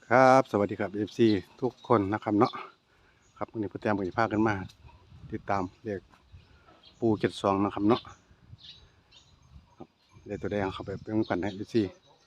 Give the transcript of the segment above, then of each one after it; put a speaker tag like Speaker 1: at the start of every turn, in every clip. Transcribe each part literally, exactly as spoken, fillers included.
Speaker 1: ครับสวัสดีครับ เอฟ ซี ทุกคนนะครับเนาะครับวันนี้พ่อแต้มก็จะพากันมาติดตามเรียกปูเจ็ดสองนะครับเนาะครับเรียกตัวแดงเข้าไปเป็นกันให้ เอฟ ซี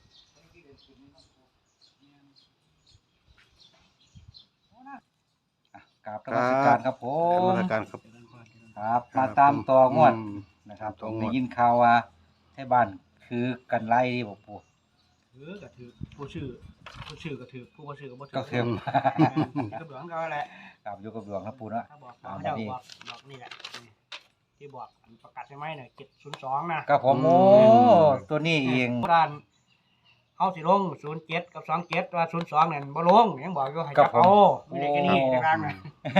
Speaker 2: กราบนมัสการครับผ
Speaker 1: ก
Speaker 2: ม
Speaker 1: รรมการครับ
Speaker 2: ครับมาตามต่องวด
Speaker 1: อืม
Speaker 2: นะครับ
Speaker 1: ต่
Speaker 2: ผ
Speaker 1: อ
Speaker 2: ม
Speaker 1: งวด
Speaker 2: ได้ยินข่าวว่าที่บ้านคือกันไล่ที่บอกปู่
Speaker 3: ถือกระถือผู้ชื่อผู้ชื่อกระถือผู้บ่ชื่อก็บ่ถื
Speaker 2: ก็คือ
Speaker 3: ก็เหลืองก็แหละ
Speaker 2: กับอยู่กับหลวงครับปู่เนาะ
Speaker 3: ถ้าบอกบอกเขาเจ้าบอกบอกนี่แหละนี่ที่บอกอันประกาศใช่ไหมเนี่ยเจ็ดศูนย์สองนะครับ
Speaker 2: ผมโอ้ตัวนี้เอง
Speaker 3: ด้านเขาสิลงศูนย์เจ็ดกับสองเจ็ดว่าศูนย์สองเนี่ยบ่ลงยังบอกอยู่ให้จับเอาไม่ได้แค่นี้ในกลางนะ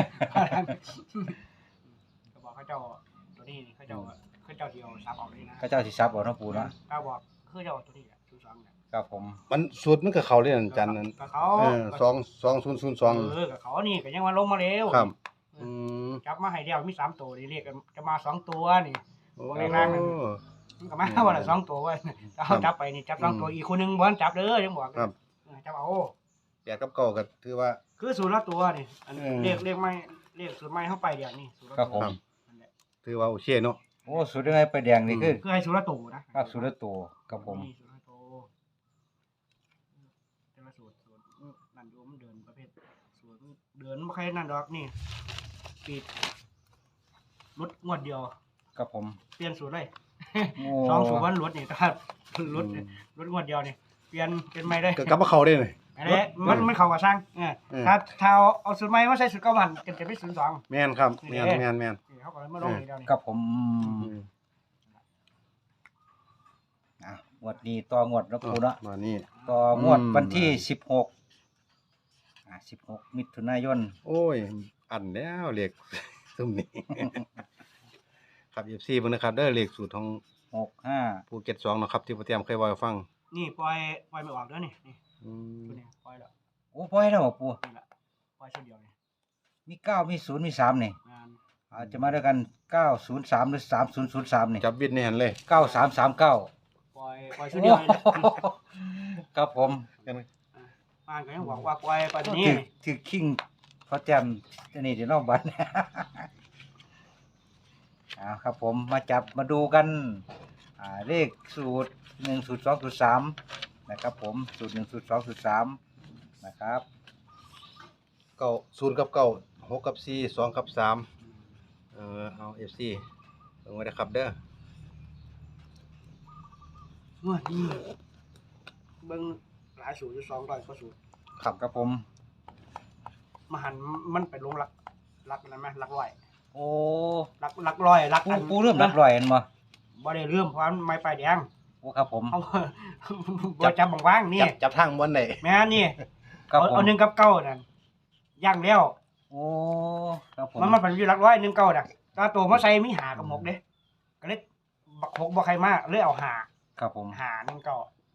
Speaker 3: ก็บอกเขาเจ้าตัวนี้นี่เขาเจ้าเขาเจ้าเดียวซับออกเลยนะ
Speaker 2: พระเจ้าสิทรัพย์บอกเนาะปู่เนาะ
Speaker 3: ถ้าบอกเขาเจ้าตัวนี้แหละศูนย์สองเนี่ย
Speaker 2: ครับผม
Speaker 1: มันสูตรมันก็เขาเรียนจันทร์นั้น
Speaker 3: ก็เขา
Speaker 1: เออสองสองศูนย์ศูนย์สอง
Speaker 3: เออกับเขานี่ก็ยังมาลงมาเร็ว
Speaker 1: ครับอืม
Speaker 3: จับมาให้เดียวมีสามตัวนี่เรียกกันจะมาสองตัวนี่
Speaker 1: โอ้
Speaker 3: เลขล่างนั่น มันก็มาวันละสองตัวเว้ยถ้าเขาจับไปนี่จับสองตัวอีกคนหนึงบ่ทันจับเด้อยังบอก
Speaker 1: ครับ
Speaker 3: เออจับเอา
Speaker 1: แปดกับเก้าก็ถือว่า
Speaker 3: คือสูตรละตัวนี่อันนี้
Speaker 1: เออ
Speaker 3: เรียกเรียกไม่เรียกสูตรไม่เข้าไปเดี๋ยวนี่สูตรละ
Speaker 2: ครับ
Speaker 3: ตัว
Speaker 2: ผม
Speaker 3: นั่นแหละ
Speaker 1: ถือว่าโอเคเนาะ
Speaker 2: โอ้สุดยังไงไปแดงนี่คือ
Speaker 3: คือให้สูตรละตัวนะครับ
Speaker 2: สุดละตัวครับผม
Speaker 3: นี่สูตรละตัวแต่ละสูตรสูตรนั่นโยมนเดินประเภทสูตรเดินไม่ค่อยนั่นดอกนี่ปิดลดงวดเดียว
Speaker 2: ครับผม
Speaker 3: เปลี่ยนสูตรเลย
Speaker 2: โอ้
Speaker 3: สองสูตรวันลดนี่ถ้าลดลดงวดเดียวนี่เปลี่ยนเป็นไม่ได้
Speaker 1: ก็กลับมาเข้าได้เลย
Speaker 3: อันนี้มันมันเข้ากับสร้างเออ
Speaker 1: เออ
Speaker 3: ถ้าถ้าเอาเอาสูตรใหม่มาใส่สูตรเก่ามันจะจะเป็นศูนย์สอง
Speaker 1: แม่นครับแม่นแม่นแม่น
Speaker 3: นี่เขาก็เลยมาลงอีกเดียวนี่
Speaker 2: ครับผม
Speaker 1: อืม
Speaker 2: อ่ะงวดนี้ต่องวดเนาะปู่เนาะ
Speaker 1: มานี่
Speaker 2: ต่องวด
Speaker 1: อืม
Speaker 2: วันที่สิบหกอ่าสิบหกมิถุนายน
Speaker 1: โอ้ย อันแล้วเลข ซุ่มนี้ ครับ เอฟ ซี เบิ่งนะครับเด้อเลขสูตรของ
Speaker 2: หกห้า
Speaker 1: ภูเก็ตสองเนาะครับที่พ่อเตรียมเคยเว้าให้ฟัง
Speaker 3: นี่ปล่อยปล่อยไม่ออกเด้อนี่นี่
Speaker 1: อืม
Speaker 3: ตัวนี้ปล่อยแล้ว
Speaker 2: โอ้พ่อให้แล้วบอกปู่
Speaker 3: นี่แหละปล่อยชุดเดียวนี่
Speaker 2: มีเก้ามีศูนย์มีสามนี่
Speaker 3: งาน
Speaker 2: อาจจะมาด้วยกันเก้าศูนย์สามหรือสามศูนย์ศูนย์สามนี่
Speaker 1: จับวิดในหันเลย
Speaker 2: เก้าสามสามเก้า
Speaker 3: ปล่อยปล่อยชุดเดียวนี่แหละ
Speaker 2: ครับผม
Speaker 3: อ่านก็ยังบอกว่าปล่อยปล่อยตัวนี้
Speaker 2: ถือถือคิงพอแจมจะนี่เดี๋ยวนอกบัตร อ่าครับผมมาจับมาดูกันอ่าเลขสูตรหนึ่งสูตรสองสูตรสามนะครับผมสูตรหนึ่งสูตรสองสูตรสามนะครับ
Speaker 1: เก้าศูนย์กับเก้าหกกับสี่สองกับสามเออเอา เอฟ ซี เบิ่งไว้นะครับเด้อ
Speaker 3: งวดนี้เบิ่งหลายสูตรอยู่สองร้อยกว่าสูตร
Speaker 2: ครับครับผม
Speaker 3: มาหันมันไปลงหลักหลักอะไรไหมหลักร้อย
Speaker 2: โอ้
Speaker 3: หลักหลักร้อยหลัก
Speaker 2: ปู
Speaker 3: อัน
Speaker 2: ปูเริ่มรับรอยเห็นบ่
Speaker 3: บ่ได้เริ่มเพราะมันไม่ไปแดง
Speaker 2: โอ้ครับผม
Speaker 3: เอา บ่จับบางว่างนี่
Speaker 1: จับจับทางบนได้
Speaker 3: แม่นี่
Speaker 2: ครับ
Speaker 3: เอา
Speaker 2: ผม
Speaker 3: เอาหนึ่งกับเก้านั่นย่างแล้ว
Speaker 2: โอ้ครับผม
Speaker 3: มันมันเป็นอยู่หลักร้อยหนึ่งเก้าน่ะตาโตมาใส่มีหากับหกเด้ก็เลยบักหกบ่ใครมาเลยเอาหา
Speaker 2: ครับผม
Speaker 3: หาหนึ่งเก้า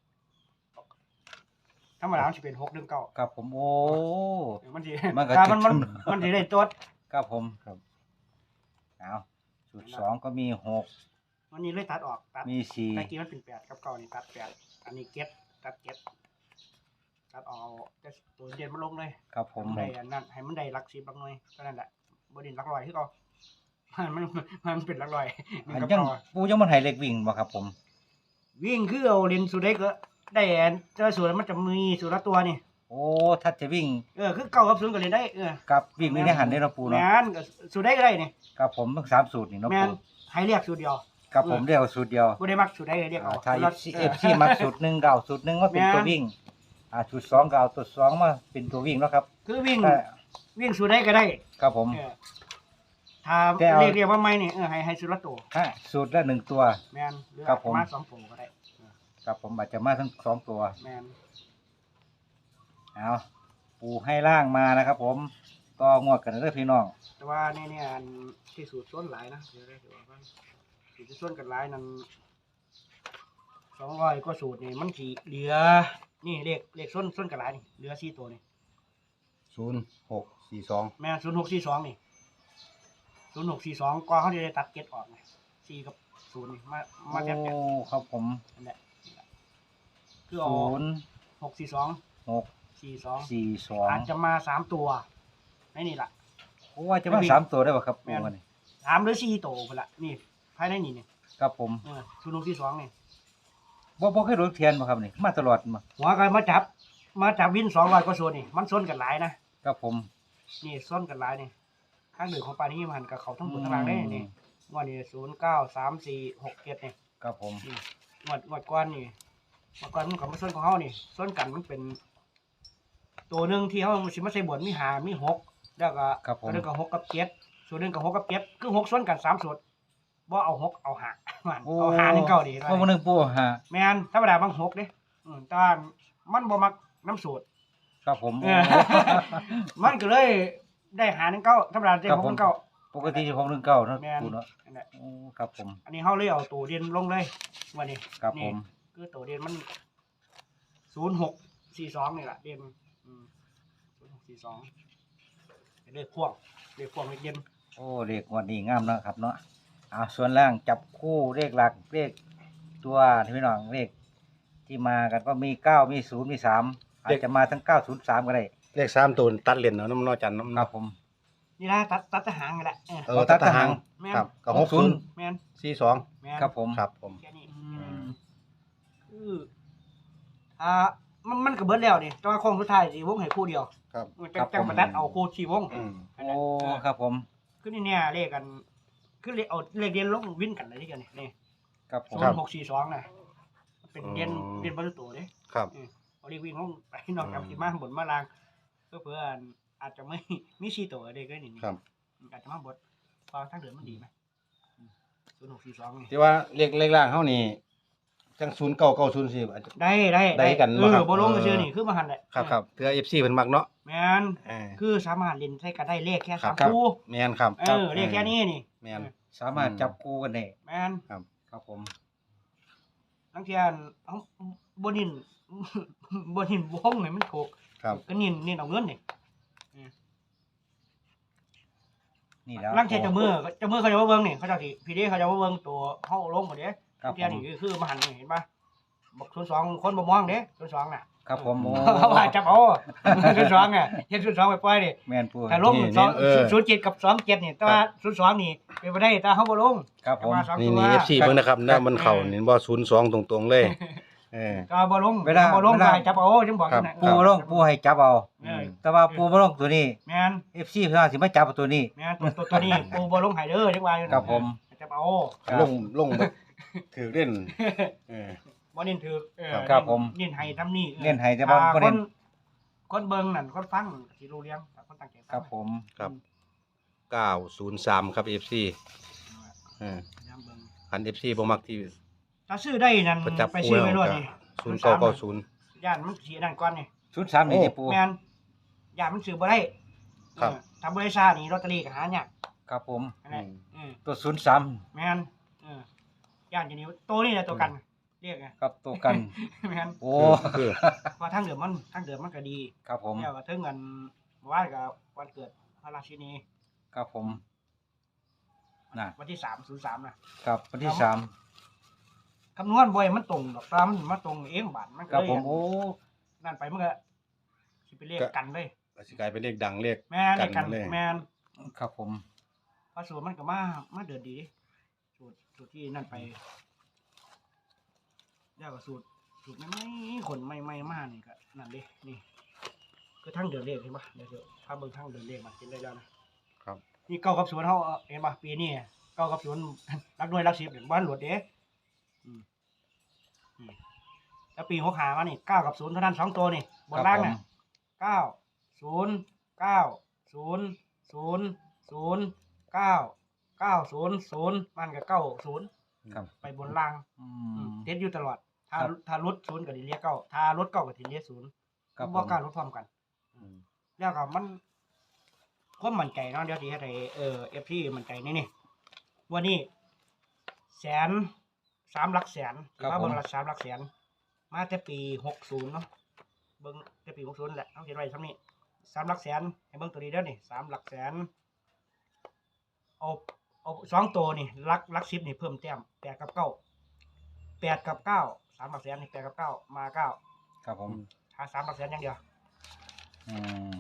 Speaker 3: ธรรมดามันสิเป็นหกหนึ่งเก้า
Speaker 2: ครับผมโอ้
Speaker 3: มันสิ
Speaker 2: มันก็
Speaker 3: ถ้ามัน
Speaker 2: จะ
Speaker 3: มันมันสิได้ตัว
Speaker 2: ครับผมครับเอาสูตรสองก็มีหก
Speaker 3: มันนี่เลยตัดออกตัด
Speaker 2: มีสี่
Speaker 3: ตะกี้มันเป็นแปดกับเก้านี่ตัดแปดอันนี้เก็บตัดเก็บตัดออกแต่ตัวเด่นมันลงเลย
Speaker 2: ครับผม
Speaker 3: ให้มันได้อันนั้นให้มันได้หลักสิบหลักหน่วยก็นั่นแหละบ่เด่นหลักร้อยคือเก่า มันมันมันเป็นหลักร้อยหนึ่
Speaker 2: อั
Speaker 3: ง
Speaker 2: น
Speaker 3: กับ
Speaker 2: ยัง
Speaker 3: เก้า
Speaker 2: ปูยังมันให้เล็กวิ่งบ่ครับผม
Speaker 3: วิ่งคือเอาเลนสุดได้ก็ได้อันเจอส่วนมันจะมีส่วนละตัวนี่
Speaker 2: โอ้ถ้าจะวิ่ง
Speaker 3: เออคือเก้ากับศูนย์ก็เล่นได้เออ
Speaker 2: กับวิ่งไม่ได้หันได้เนาะปู
Speaker 3: แม
Speaker 2: เนาะ
Speaker 3: นก็สุดได้ก็ได้นี่
Speaker 2: ครับผมทั้งสามสูตรนี่เนาะ
Speaker 3: แมน
Speaker 2: ปู
Speaker 3: ให้เรียกสูตรเดียว
Speaker 2: ครับผมเรียกว่าสูตรเดียว
Speaker 3: บ่ได้มักสูตรได้เรียกเอา
Speaker 2: อ่าถ้า
Speaker 3: สูตร
Speaker 2: เอ
Speaker 3: ละ
Speaker 2: ฟซีมักสูตรหนึ่งเก่าสูตรหนึ่งว่าเป็น
Speaker 3: แม่น
Speaker 2: ตัววิ่งอ่าสูตรสองเก่าตัวสองมาเป็นตัววิ่งเนาะครับ
Speaker 3: คือวิ่ง
Speaker 2: แต่
Speaker 3: วิ่งสูตรได้ก็ได้
Speaker 2: ครับผม
Speaker 3: เออถ้า
Speaker 2: แต่เอา
Speaker 3: เรียกเรียกว่าไม่นี่เออให้ให้สูตรละตัว
Speaker 2: ฮะสูตรละหนึ่งตัว
Speaker 3: แมนหรือ
Speaker 2: ครับผม
Speaker 3: มาสองตัวก็ได้
Speaker 2: ครับผมอาจจะมาทั้งสองตัว
Speaker 3: แมน
Speaker 2: เอาปูให้ล่างมานะครับ ผมก็งวดกันเด้อพี่น้อง
Speaker 3: แต่ว่านี่เนี่ยอันที่สูตรส้นหลายนะเดี๋ยวได้เดี๋ยวว่าสูตรที่ส้นกันหลายนั้นสองร้อยกว่าสูตรนี่มันสิเหลือนี่เลขเลขส้นส้นกันหลายนี่เหลือสี่ตัวนี่
Speaker 1: ศูนย์หกสี่สอง
Speaker 3: แม่ศูนย์หกสี่สองนี่ศูนย์หกสี่สองก็เขาจะได้ตัดเก็ตออกไงสี่กับศูนย์นี่มามาแทบแทบ
Speaker 2: โอ้ครับผม
Speaker 3: นั่นแหละคือเอา
Speaker 2: ศูนย์
Speaker 3: หกสี่สอง
Speaker 2: หก
Speaker 3: สี่สอง
Speaker 2: สี่สอง
Speaker 3: อาจจะมาสามตัวในนี่ล่ะ
Speaker 2: โอ้ว่าจะมาสามตัวได้ป่ะครับ
Speaker 3: แม่
Speaker 2: ปู
Speaker 3: น
Speaker 2: วันนี้
Speaker 3: สามหรือสี่ตัวพุ่นละนี่ภายในนี่นี่
Speaker 2: ครับผม
Speaker 3: เออศูนย์หกสี่สองนี่
Speaker 2: บ่บ่เคยโดนเทียนมาครับนี่มาตลอดมา
Speaker 3: หัวก็มาจับ มาจับวินสองร้อยกว่าโซนนี่มันซ้นกันหลายนะครับ
Speaker 2: ผม
Speaker 3: นี่ซ้นกันหลายนี่ข้างหนึ่งของปานี้มันกับเขาทั้งหมดทั้งหลังได้นี่งวดนี้ศูนย์เก้าสามสี่หกเจ็ดนี่
Speaker 2: ครับผม
Speaker 3: นี่งวดงวดก้อนนี่งวดก้อนมันกับมาซ้นของเขานี่ซ้นกันมันเป็น ตัวหนึ่งที่เขาสิมาใส่บวชมีหามีหกแล้วก็
Speaker 2: ครับผม
Speaker 3: ตัวหนึงกับหกกับเจ็ดส่วนหนึ่งกับหกกับเจ็ดคือหกซ้นกันสามส่วนบ่เอาหกเอาหามัน
Speaker 2: โอ้
Speaker 3: เอาหาหนึ่งเก้าดี
Speaker 2: เพราะวันหนึงปูฮะ
Speaker 3: แม่นธรรมดาบางหกเด้อืมแต่ว่ามันบ่มักน้ำสูตร
Speaker 2: ครับผม
Speaker 3: เออ มันก็เลยได้หาหนึ่งเก้าธรรมดาได้
Speaker 2: ครับ
Speaker 4: Dạ,
Speaker 3: หก
Speaker 2: ผม
Speaker 3: หนึ่งเก้า
Speaker 2: ปกติหกหนึ่งเก้าเนาะ
Speaker 3: แม่น
Speaker 2: ปูเนาะ
Speaker 3: นั่นแหละ
Speaker 2: โอ้ครับผม
Speaker 3: อันนี้เฮาเลยเอาตัวเด่นลงเลยวันนี้
Speaker 2: ครับผม
Speaker 3: นี่คือตัวเด่นมันศูนย์หกสี่สองนี่แหละเด่นอืมศูนย์หกสี่สองเลขพ่วงเลขพ่วงเลขเด่น
Speaker 2: โอ้เลขงวันนี้งามเนาะครับเนาะอ่าส่วนล่างจับคู่เลขหลักเลขตัวที่พี่น้องเลขที่มากันก็มีเก้ามีศูนย์มีสามอาจจะมาทั้งเก้าศูนย์สามก็ได้
Speaker 1: เลขสามตัวตัดเหรียญเนาะน้ำนอจันน้ำ
Speaker 2: ครับผม
Speaker 3: นี่นะตัดตัดทหารกันแหละเออ
Speaker 1: เออตัดทหาร
Speaker 3: แม่น
Speaker 1: ครับก็หกศูนย์
Speaker 3: แม่น
Speaker 1: สี่สอง
Speaker 3: แม่น
Speaker 2: ครับผม
Speaker 1: ครับผม
Speaker 3: แค่นี้
Speaker 2: อืม
Speaker 3: คืออ่ามันมันก็เบิดแล้วนี่แต่ว่าโค้งสุดท้ายสิวงให้คู่เดียว
Speaker 1: ครับ
Speaker 3: จังจังมาตัดเอาคู่ที่วง
Speaker 1: อืม
Speaker 3: อัน
Speaker 2: โอ้
Speaker 3: นั้นเออ
Speaker 2: ครับผม
Speaker 3: คือนี่เนี่ยเลขกัน คือเลขเอาเลขเรียนลงวินกันเลยที่กันนี่นี่
Speaker 2: ครับผม
Speaker 3: ศูนย์หกสี่สองน่ะมันเป็นเรียนเรียนบรรลุตัวเด้
Speaker 1: ครับ
Speaker 3: เออเอาเลขวิ่งลงไปนอกจากสิมาบนมาลางเพื่อเพื่ออาจจะไม่มีสี่ตัวเด็กได้นี่
Speaker 1: ครับ
Speaker 3: อาจจะมาบดพอทั้งเดือนมันดีไหมศูนย์หกสี่สองนี่
Speaker 1: ที่ว่าเลขเลขล่างเฮานี่จังศูนย์เก้าเก้าศูนย์สี่อาจจะ
Speaker 3: ได้ได้
Speaker 1: ได้กัน
Speaker 3: เอ
Speaker 1: บ่ครั
Speaker 3: อบ บ่ลงก็ชื่อนี่คือมาหันแหละ
Speaker 1: ครับครับเพื่อ เอฟ ซี เพิ่นมักเนาะ
Speaker 3: แมน
Speaker 1: เออ
Speaker 3: คือสามารถเล่นใช้กันได้เลขแค่
Speaker 1: ครั
Speaker 3: สา
Speaker 1: บ
Speaker 3: ม
Speaker 1: ครับ
Speaker 3: คู่
Speaker 1: แม่นครับ
Speaker 3: เออเลขแค่นี้นี่
Speaker 1: แม่น
Speaker 2: สามารถจับคู่กันได้
Speaker 3: แมน
Speaker 2: ครับผม
Speaker 3: ทั้งเทียนเอาบนิน บนินวงนี่มันถูก
Speaker 1: ครับ
Speaker 3: ก็นินนินเอาเงินนี่
Speaker 2: นี่แล้ว
Speaker 3: ลังเทียนเจะมือเจะมือเขาจะว่าเบิ่งนี่เขาเจะสิพี่เด้เขาจะว่าเบิ่งตัวเฮาลงบ่เด้
Speaker 2: ครับผ
Speaker 3: เทียน
Speaker 2: ม
Speaker 3: นี่คือมาหันนี่เห็นป่ะบอกศูนย์สองคนบ่มองเด้ศูนย์สองน่ะ
Speaker 2: ครับผมโอ้
Speaker 3: เขาว่าจับเอาศูนย์สองอ่ะเฮ็ดศูนย์สองไปปล่อยดิ
Speaker 2: แม่นปู
Speaker 3: ถ้าลง
Speaker 1: นี่
Speaker 3: สอง
Speaker 1: เออ
Speaker 3: ศูนย์เจ็ดกับสองเจ็ดนี่แต่ว่าศูนย์สองนี่เป็นบ่ได้แต่เฮาบ่ลง
Speaker 2: ครับผม
Speaker 3: แต่ว่าสอง
Speaker 1: นี่
Speaker 3: ตัว
Speaker 1: นี่ เอฟ ซี เบิ่งนะครับนะมันเข้านี่บ่ศูนย์สองตรงๆเลยเออ
Speaker 3: ก็บ่ลง
Speaker 2: เวลา
Speaker 3: บ่ลง
Speaker 2: เวลา
Speaker 3: ก็ให้จับเอาจังบอก
Speaker 1: ครับ
Speaker 3: นั่น
Speaker 2: ปู
Speaker 3: น่ะ
Speaker 2: ลงปูให้จับเอา
Speaker 3: เออ
Speaker 2: แต่ว่าปูบ่ลงตัวนี้
Speaker 3: แม่น
Speaker 2: เอฟซีเพิ่นว่าสิมาจับเอาตัวนี้
Speaker 3: แม่นตัวตัวตัวนี้ปูบ่ลงให้เด้อจังว่าอยู่
Speaker 2: ครับผม
Speaker 3: ให้จับเอา
Speaker 1: ลงลงแบบถือเล่นเออ
Speaker 3: บ่เน้นถือเออ
Speaker 2: ครับผม
Speaker 3: เน้นให้ทำนี่ออ
Speaker 2: เน้นให้แต่บ่
Speaker 3: อ่า
Speaker 2: บ่
Speaker 3: ค
Speaker 2: เน้
Speaker 3: น
Speaker 2: น
Speaker 3: คนเบิ่งนั่นคนฟังสิรู้เรื่องคนตั้งใจฟัง
Speaker 2: ครับผม
Speaker 1: ครับเก้าศูนย์สามครับ เอฟ ซี เออ
Speaker 3: พยายามเบิ่ง
Speaker 1: คัน เอฟ ซี บ่มักที่
Speaker 3: ถ้าซื้อได้นั่น
Speaker 1: ประจับ
Speaker 3: ไปซื้อไว้
Speaker 1: คู่
Speaker 3: ร
Speaker 1: แล้ว
Speaker 3: ถนี่
Speaker 1: ศูนย์เก้าเก้าศูนย์
Speaker 3: ย่านมันสินั่นก่อนนี่
Speaker 2: ชุดสามนี่
Speaker 1: โอ้
Speaker 2: ที่ปู
Speaker 3: แม่นย่านมันซื้อบ่ได้
Speaker 1: ครับ
Speaker 3: เออถ้าบ่ได้ซ่านี่ลอตเตอรี่ก็หายาก
Speaker 2: ครับผม
Speaker 3: นั่นแหละอืม
Speaker 2: ตัวศูนย์สาม
Speaker 3: แม่นเออย่านจะนี้ตัวนี้แหละตัวกันเรียกไง
Speaker 2: ครับตัวกัน
Speaker 3: แม่น
Speaker 2: โอ้
Speaker 1: คือ
Speaker 3: เพราะทางเดิมมันทางเดิมมันก็ดี
Speaker 2: ครับผม
Speaker 3: แล้วก็ถึงกันว่ากับวันเกิดพระราชินี
Speaker 2: ครับผมน่ะ
Speaker 3: วันที่สามศูนย์สามนะครับ
Speaker 2: วันที่สาม
Speaker 3: คำนวณบ่อยมันตรงดอกตามมันมาตรงเองบาทมัน
Speaker 2: ค
Speaker 3: ก็
Speaker 2: รับ
Speaker 3: เลย
Speaker 2: ผมโอ้
Speaker 3: นั่นไปมันก็สิเป็นเลขกันเลย
Speaker 1: สิกลายเป็นเลขดังเลข
Speaker 3: แม่นเลขกัน
Speaker 1: กันเลย
Speaker 3: แม่น
Speaker 2: ครับผม
Speaker 3: พระสูตรมันก็มามาเดือดดีสูตรสูตรที่นั่นไปแล้วก็สูตรสูตรไม่ไม่คนไม่ไม่มากนี่ก็นั่นดินี่คือทั้งเดือนเลขเห็นปะเดี๋ยวเดี๋ยวถ้าเบิ่งทั้งเดือนเลขมากินได้แล้วนะครับ นี่เก้ากับศูนย์เขาเอาเห็นปะปีนี้เก้ากับศูนย์ รักด้วยรักสิบเห็นบ้านหลวดเด้อืมอืมแล้วปีหกหามานี่เก้ากับศูนย์เท่านั้นสองตัวนี่บนล่าง
Speaker 2: ครับผม
Speaker 3: น่ะเก้าศูนย์เก้าศูนย์ศูนย์ศูนย์เก้าเก้าศูนย์ศูนย์มันกับเก้าศูนย์
Speaker 2: ครับ
Speaker 3: ไปบนล่าง
Speaker 2: อื
Speaker 3: อืม
Speaker 2: ม
Speaker 3: เทสอยู่ตลอด ถ้า
Speaker 2: ครับ
Speaker 3: ถ้าลดศูนย์ก็ดีเรียกเก้าถ้าลดเก้าก็ดีเรียกศูนย์
Speaker 2: ครับผ
Speaker 3: บ่
Speaker 2: ม
Speaker 3: กล้าลดพร้อมกัน แล้วก็มันความมั่นใจเนาะเดี๋ยวที่ให้เอ่อ เอฟ ซี มั่นใจนี่นี่วันนี้แสนสามหลักแสน
Speaker 2: ครับ
Speaker 3: ว่า
Speaker 2: ผม
Speaker 3: เบิ่งหลักสามหลักแสน มาแต่ปีหกศูนย์เนาะเบิ่งแต่ปีหกศูนย์แหละเอาเขียนไว้ซ้ำนี้สามหลักแสนให้เบิ่งตัวนี้เด้อนี่สามหลักแสนเอาเอาสองตัวนี่หลักหลักสิบนี่เพิ่มแต้มแปดกับเก้าแปดกับเก้าสามหลักแสนนี่แปดกับเก้ามาเก้า
Speaker 2: ครับผม
Speaker 3: หาสามหลักแสนอย่างเดียว
Speaker 2: อืม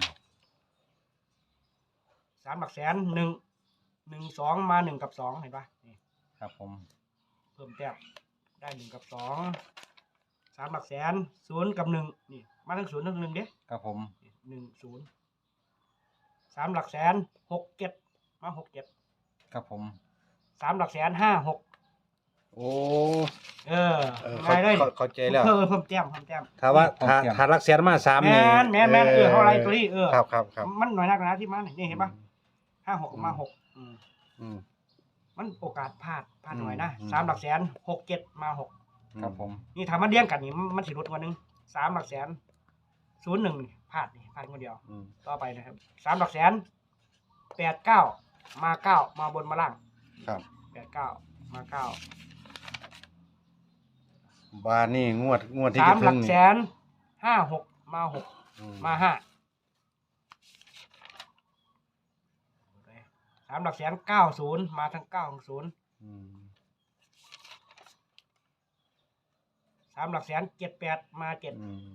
Speaker 3: สามหลักแสนหนึ่งหนึ่งสองมาหนึ่งกับสองเห็นปะนี่
Speaker 2: ครับผม
Speaker 3: เพิ่มแต้มได้หนึ่งกับสองสามหลักแสนศูนย์กับหนึ่งนี่มาทั้งศูนย์ทั้งหนึ่งเด้
Speaker 2: ครับผม
Speaker 3: หนึ่งศูนย์สามหลักแสนหกเจ็ดมาหกเจ็ด
Speaker 2: ครับผม
Speaker 3: สามหลักแสนห้าหก
Speaker 1: โอ้
Speaker 3: เออ
Speaker 1: เออ
Speaker 3: ง่ายเลย
Speaker 1: เข้าเข้าใจแล้ว
Speaker 3: เพิ่มเพิ่มแต้มเพิ่มแต้ม
Speaker 1: ถ้าว่าถ้าถ้ารักแสนมาสาม
Speaker 3: แม
Speaker 1: นี่
Speaker 3: นแมนแมนเออเขาอะไรตัวนี้เออ
Speaker 1: ครับครับครับ
Speaker 3: มันหน่อยนักนะที่มานี่เห็นปะห้าหกมาหกอืม
Speaker 1: อืม
Speaker 3: มันโอกาสพลาดพลาดหน่อย
Speaker 1: อืม
Speaker 3: นะ
Speaker 1: อืม
Speaker 3: สามหลักแสนหกเจ็ดมาหก
Speaker 2: ครับผม
Speaker 3: นี่ทำมันเลี้ยงกันนี่มันสิลดกว่านึงสามหลักแสนศูนย์หนึ่งพลาดนี่พลาดคนเดียว
Speaker 1: อืม
Speaker 3: ต่อไปนะครับสามหลักแสนแปดเก้ามาเก้ามาบนมาล่าง
Speaker 1: ครับ
Speaker 3: แปดเก้ามาเก้า
Speaker 1: บานนี่งวดงวดที่
Speaker 3: สา
Speaker 1: จะ
Speaker 3: มห
Speaker 1: ถึ
Speaker 3: ลั
Speaker 1: ง
Speaker 3: ก
Speaker 1: นี่
Speaker 3: แสนห้าหกมาหก
Speaker 1: อื
Speaker 3: มาห้าสามหลักแสนเก้าศูนย์มาทั้งเก้าของศูนย์
Speaker 1: อืม
Speaker 3: สามหลักแสนเจ็ดแปดมาเจ็ด
Speaker 1: อืม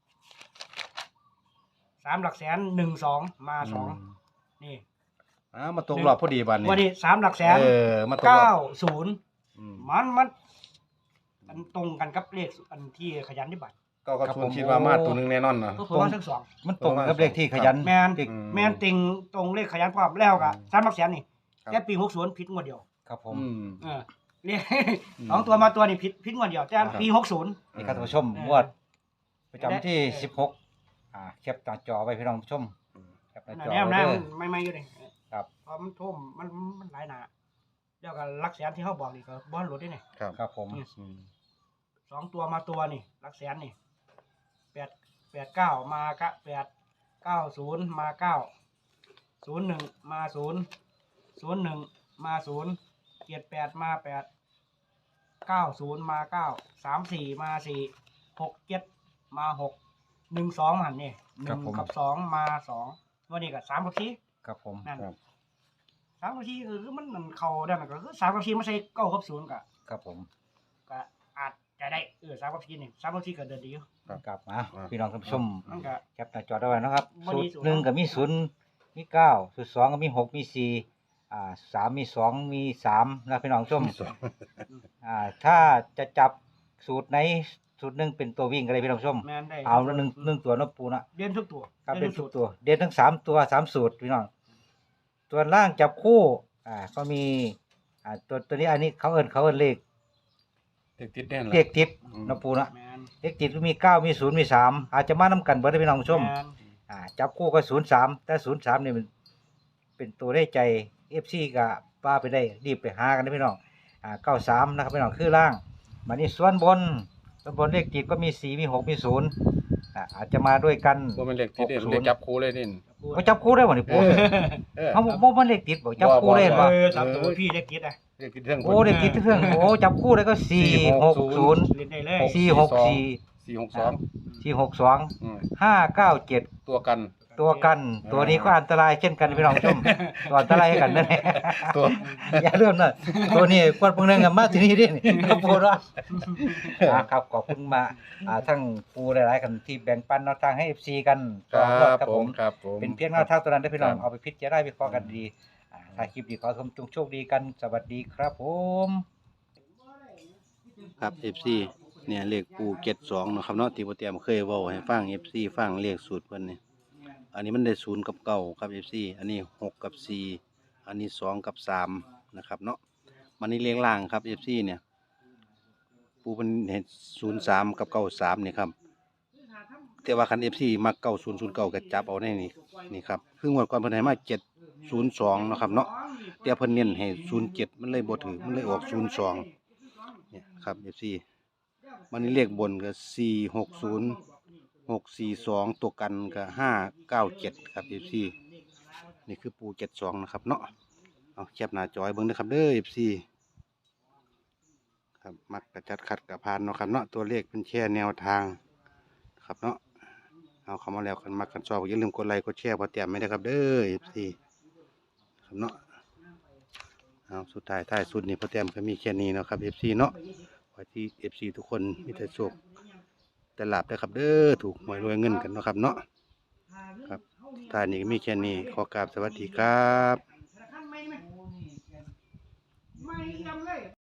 Speaker 3: สามหลักแสนหนึ่งสองมาสองนี่
Speaker 1: อ้าวมาตกรอบพอดีบานนี้
Speaker 3: วันนี้สามหลักแสน
Speaker 1: เออมาตกร
Speaker 3: เก้า
Speaker 1: อบ
Speaker 3: ศูนย์
Speaker 1: อืม
Speaker 3: มันมันมันตรงกันกับเลขอันที่ขยันที่บัตร
Speaker 1: เก้ากับศูนย์คิดว่ามาตัวหนึงแน่นอนนะ
Speaker 3: ก็คือว่าทั้งสอง
Speaker 2: มันตรงกับเลขที่ขยัน
Speaker 3: แมน
Speaker 2: ติด
Speaker 1: อืม
Speaker 3: แมนติงตรงเลขขยันพร้อมแล้วกับ
Speaker 1: อืม
Speaker 3: สามหลักแสนนี่
Speaker 1: ครับ
Speaker 3: แค่ปีหกศูนย์ผิดงวดเดียว
Speaker 2: ครับผม
Speaker 1: อืม
Speaker 3: เออเรียก
Speaker 1: อืม
Speaker 3: สองตัวมาตัวนี่ผิดผิดงวดเดียวแต่
Speaker 1: ครับ
Speaker 3: ปีหกศูนย์
Speaker 2: นี่ครับท่านผู้ชม
Speaker 3: เออ
Speaker 2: งวดประจำที่
Speaker 3: เออ
Speaker 2: สิบหกอ่าแคปหน้าจอไว้พี่น้องผู้ชมแคปหน้าจอ
Speaker 3: แนว
Speaker 2: ไว้
Speaker 3: หน้า
Speaker 2: เด้
Speaker 3: มั
Speaker 2: อน
Speaker 3: ไม่ไม่อยู่เลย
Speaker 2: ครับ
Speaker 3: เพราะมันท่วมมันมันหลายหนาแล้วก็หลักแสนที่เขาบอกนี่ก็บอลหลุดได้เนี่ย
Speaker 1: ครับ
Speaker 2: ครับผม
Speaker 1: อืม
Speaker 3: สองตัวมาตัวนี่หลักแสนนี่แปดแปดเก้ามากะแปดเก้าศูนย์มาเก้าศูนย์หนึ่งมาศูนย์ศูนย์หนึ่งมาศูนย์เจ็ดแปดมาแปดเก้าศูนย์มาเก้าสามสี่มาสี่หกเจ็ดมาหกหนึ่งสองหันนี่หนึ่งกับสองมาสองวันนี้กับสามกับสี่
Speaker 2: ครับผม
Speaker 3: นั่น
Speaker 1: ครับ
Speaker 3: สามกับสี่คือมันมันเข้าได้มันก็คือสามกับสี่ไม่ใช่เก้ากับศูนย์กะ
Speaker 2: ครับผม
Speaker 3: ก็อาจจะได้เออสามกับสี่นี่สามกับสี่ก็เดินดีอยู่
Speaker 2: กลับมาพี่น้องท่านผู้ชม
Speaker 3: มันก็
Speaker 2: แคปหน้าจอได้ไว้นะครับ
Speaker 3: วัน
Speaker 2: สู
Speaker 3: นี้
Speaker 2: ตร
Speaker 3: สูตร
Speaker 2: หนึ่งก็มีศูนย์มีเก้าสูตรสองก็มีหกมีสี่อ่าสามมีสองมีสามนะพี่น้องผู้ชม
Speaker 1: สอง
Speaker 2: อ่าถ้าจะจับสูตรไหนสูตรหนึ่งเป็นตัววิ่งก็ได้พี่น้องผู้ชม
Speaker 3: แม่นได้
Speaker 2: เอาแล้วหนึ่งหนึ่งตัวเนกปูนะ
Speaker 3: เด่นทุกตัว
Speaker 2: ครับเป็น
Speaker 3: ทุ
Speaker 2: ทุกตัว เด่นทั้งสามตัวสามสูตรพี่น้องตัวล่างจับคู่อ่าก็มีอ่าตัวตัวนี้อันนี้เขาเอินเขาเอินเลข
Speaker 1: เด็กติดแน่น
Speaker 2: เลขติด
Speaker 1: อืม
Speaker 2: เนกปูนะ
Speaker 3: แม่น
Speaker 2: เลขติดมีเก้ามีศูนย์มีสามอาจจะมานํกันเบิดได้พี่น้องผู้ชม
Speaker 3: แม่น
Speaker 2: อ่าจับคู่ก็ศูนย์สามแต่ศูนย์สามนี่มันเป็นตัวได้ใจเอฟซีก็ป้าไปได้รีบไปหากันนะพี่น้องอ่าเก้าสามนะครับพี่น้องคือล่างมานี่ส่วนบนส่วนบนเลขติดก็มีสี่มีหกมีศูนย์อ่าอาจจะมาด้วยกัน
Speaker 1: บ่แม่นเด็กติดเด่น
Speaker 2: หกศูนย์
Speaker 1: เด็กจับคู่เลยนี่
Speaker 2: เขาจับคู่ได้บ่นี่
Speaker 1: เอ
Speaker 2: ปู่
Speaker 1: อเออ
Speaker 2: เขาบอกบ่มันเลขติดบ่จับคู่ได้
Speaker 1: บ่
Speaker 2: บ่
Speaker 3: เออสามตัวพี่เล็กคิดอ่ะ
Speaker 1: เด็กติดเรื่อง
Speaker 2: โอ้เลขติดเครื่องโอ้จับคู่ได้ก็สี่หกศูนย์
Speaker 3: เล่นได้เลย
Speaker 2: สี่หกสี่
Speaker 1: สี่หกสอง
Speaker 2: สี่หกสอง
Speaker 1: อืม
Speaker 2: ห้าเก้าเจ็ด
Speaker 1: ตัวกัน
Speaker 2: ตัวกันตัวนี้ก็อันตรายเช่นกันพี่น้องผู้ชมตัวอันตรายให้กันนั่นแหละ
Speaker 1: ตัว
Speaker 2: อย่าเริ่มนะตัวนี้กวดพวกนึงกันมาที่นี่ดิครับปูเนาะอ่าครับขอบคุณมาอ่าทั้งปูหลายๆกันที่แบ่งปันแนวทางให้ เอฟ ซี กัน
Speaker 1: ครั
Speaker 2: ต่อยอด
Speaker 1: บ
Speaker 2: ครับ
Speaker 1: ผ
Speaker 2: ผม ม
Speaker 1: ครับผม
Speaker 2: เป็นเพียงแนวทางตัวนั้นได้อพี่น้อง
Speaker 1: ครับ
Speaker 2: เอาไปพิจารณาวิเคราะห์กันดีอ่าถ้าคลิปดีขอชมจงโชคดีกันสวัสดีครับผม
Speaker 1: ครับ เอฟ ซี เนี่ยเลขปูเจ็ดสองเนาะครับเนาะที่โปรเตรียมเคยเว้าให้ฟัง เอฟ ซี ฟังเลขสูตรเพิ่นนี่อันนี้มันได้ศูนย์กับเก้าครับ เอฟ ซี อันนี้หกกับสี่อันนี้สองกับสามนะครับเนาะมันนี่เลขล่างครับ เอฟ ซี เนี่ยปูเพิ่นเห็นศูนย์สามกับเก้าสามนี่ครับแต่ว่าคัน เอฟ ซี มักเก้าศูนย์ศูนย์เก้าก็จับเอาในนี่นี่ครับคืองวดก่อนเพิ่นให้มาเจ็ดศูนย์สองเนาะครับเนาะแต่เพิ่นเน้นให้ศูนย์เจ็ดมันเลยบ่ถือมันเลยออกศูนย์สองเนี่ยครับ เอฟ ซี มันนี่เลขบนก็สี่หกศูนย์หกสี่สองตัวกันก็ห้าเก้าเจ็ดครับเอฟซีนี่คือปูเจ็ดสองนะครับเนาะเอาแคบหน้าจอยเบิ้งนะครับเด้อเอฟซีครับมักกระจัดขัดกระพานเนาะครับเนาะตัวเลขเป็นแค่แนวทางครับเนาะเอาเข้ามาแล้วกันมักกันชอบอย่าลืมกดไลค์กดแชร์พอแต้มไม่ได้ครับเด้อเอฟซีครับเนาะเอาสุดท้ายท้ายสุดนี่พอแต้มก็มีแค่นี้เนาะครับเอฟซีเนาะไว้ที่ เอฟ ซี ทุกคนมีแต่โชคแต่หลับได้อครับเด้อถูกหวยรวยเงินกันเนาะครับเนาะท่านี้ก็มีแค่นี้ขอกราบสวัสดีครับ
Speaker 3: ไม่ไม่ไม่ยำเลย